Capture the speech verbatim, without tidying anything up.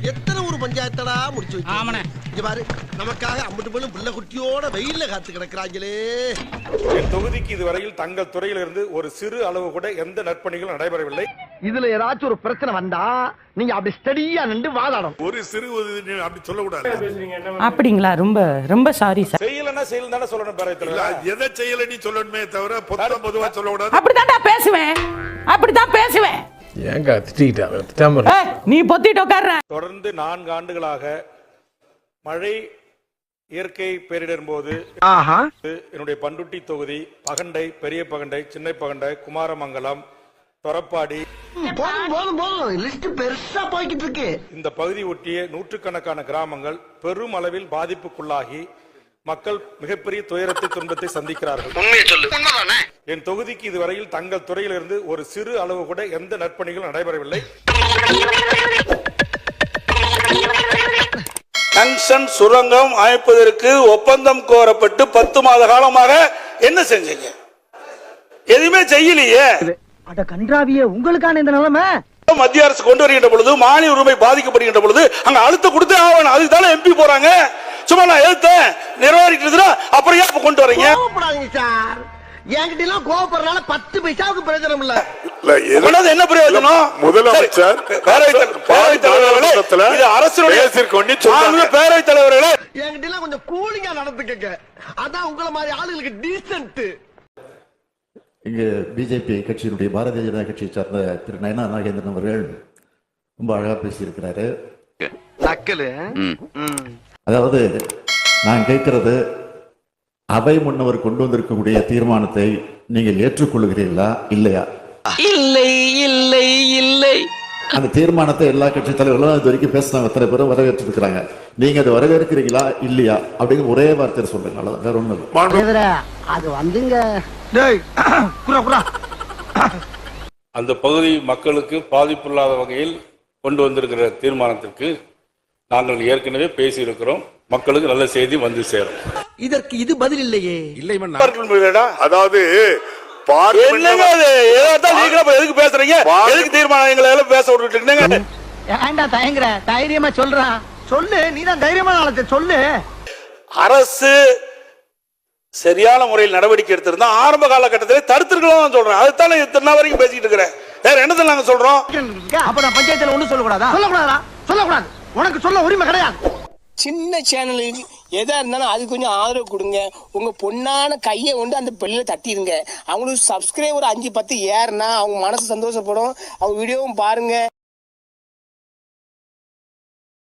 எத்தனை ஊர் பஞ்சாயத்தடா முடிச்சு வச்சு இங்க பாரு, நமக்காக அம்பட்டு போலும் பிள்ளை குட்டியோட வெயில்ல காத்து கிடக்குறாங்களே. என் தொகுதிக்கு இதுவரையில் தங்கள் துறையிலிருந்து ஒரு சிறு அளவு கூட எந்த நற்பணிகளும் நடைபெறவில்லை. இதுல ஏதாச்சும் ஒரு பிரச்சனை வந்தா நீங்க அப்படி ஸ்டடியா நின்று வாதாடணும். ஒரு சிறு அப்படி சொல்லக்கூடாது. அப்படிங்களா? ரொம்ப ரொம்ப சாரி சார். செய்யலன்னா செய்யல தானே சொல்லணும் பேரவைத்தலைவர். எதை செய்யல நீ சொல்லணுமே தவிர பொத்தம் பொதுவா சொல்லக்கூடாது. அப்படிதான் நான் பேசுவேன், அப்படிதான் பேசுவேன். ஏங்க திட்டிட்டாங்க? நீ பொத்திட்டு உட்கார்ற. தொடர்ந்து நான்கு ஆண்டுகளாக மழை இயற்கை பேரிடர் போது என்னுடைய பண்டுட்டி தொகுதி பகண்டை, பெரிய பகண்டை, சின்ன பகண்டை, குமாரமங்கலம், தொரப்பாடி இந்த பகுதி ஒட்டிய நூற்றுக்கணக்கான கிராமங்கள் பெரும் அளவில் பாதிப்புக்குள்ளாகி மக்கள் மிகப்பெரிய துயரத்தை துன்பத்தை சந்திக்கிறார்கள். என் தொகுதிக்கு இதுவரையில் தங்கள் துறையிலிருந்து ஒரு சிறு அளவு கூட எந்த நற்பணிகளும் நடைபெறவில்லை. டங்ஸ்டன் சுரங்கம் அமைப்பதற்கு ஒப்பந்தம் கோரப்பட்டு பத்து மாத காலமாக என்ன செஞ்சீங்க? எதுவுமே செய்யலையே. அட கன்றாவியே, உங்களுக்கான இந்த நிலைமை மத்திய அரசு கொண்டு வருகின்ற பொழுது மாநில உரிமை பாதிக்கப்படுகின்ற பொழுது அங்க அழுத்த கொடுத்து ஆகணும். அதுக்கு தானே எம்பி போறாங்க. சும்மா நான் எழுத்தேன் நிறைவேறிட்டு அப்புறம் ஏன் கொண்டு வரீங்க சார்? என்கிட்ட எல்லாம் கோவப்படுறதுனால பத்து பைசாவுக்கு பிரயோஜனம் இல்ல. என்ன பிரயோஜனம்? முதலமைச்சர் பேரவைத் தலைவர்களே, அரசுடைய பேரவைத் தலைவர்களே, என்கிட்ட எல்லாம் கொஞ்சம் கூலிங்கா நடந்துக்கங்க. அதான் உங்களை மாதிரி ஆளுங்களுக்கு டீசன்ட். இங்கு பிஜேபி கட்சியினுடைய பாரதிய ஜனதா கட்சியை சார்ந்த திரு நயனா நாகேந்திரன் அவர்கள் ரொம்ப அழகா பேசியிருக்கிறாரு. அதாவது நான் கேட்கிறது, அவை முன்னவர் கொண்டு வந்திருக்கக்கூடிய தீர்மானத்தை நீங்கள் ஏற்றுக்கொள்கிறீர்களா இல்லையா? இல்லை இல்லை இல்லை. அந்த தீர்மானத்தை எல்லா கட்சி தலைவர்களும் இது வரைக்கும் பேசினாங்க, அத்தனை பேரும் வரவேற்றிருக்கிறாங்க. நீங்க அதை வரவேற்கிறீங்களா இல்லையா அப்படிங்கிற ஒரே வார்த்தையை சொல்லுங்க. அவ்வளவுதான், வேற ஒண்ணு. அது வந்துங்க அந்த பகுதி மக்களுக்கு பாதிப்பு இல்லாத வகையில் கொண்டு வந்திருக்கிற தீர்மானத்திற்கு நாங்கள் ஏற்கனவே பேசி இருக்கிறோம். மக்களுக்கு நல்ல செய்தி வந்து சேரும். இதற்கு இது பதில் இல்லையே. இல்லை, அதாவது எதுக்கு பேசுறீங்க? எதுக்கு தீர்மானம் எங்களை பேச விட்டுட்டு ஏன்டா தயங்குற? தைரியமா சொல்றா, சொல்லு. நீதான் தைரியமான ஆளத்தை சொல்லு. அரசு சரியான முறையில் நடவடிக்கை எடுத்திருந்தா ஆரம்ப காலகட்டத்தில் தடுத்திருக்கலாம் சொல்றேன். அதுதானே இத்தனை வரைக்கும் பேசிட்டு இருக்கிறேன். வேற என்னதான் நாங்க சொல்றோம்? அப்ப நான் பஞ்சாயத்துல ஒண்ணு சொல்லக்கூடாதா? சொல்லக்கூடாதா? சொல்லக்கூடாது. உனக்கு சொல்ல உரிமை கிடையாது. சின்ன சேனலுக்கு எதா இருந்தாலும் அது கொஞ்சம் ஆதரவு கொடுங்க. உங்க பொண்ணான கையை கொண்டு அந்த பெல்ல தட்டிடுங்க. அவங்களுக்கு சப்ஸ்கிரைபர் அஞ்சு பத்து ஏறுனா அவங்க மனசு சந்தோஷப்படும். அவங்க வீடியோவும் பாருங்க.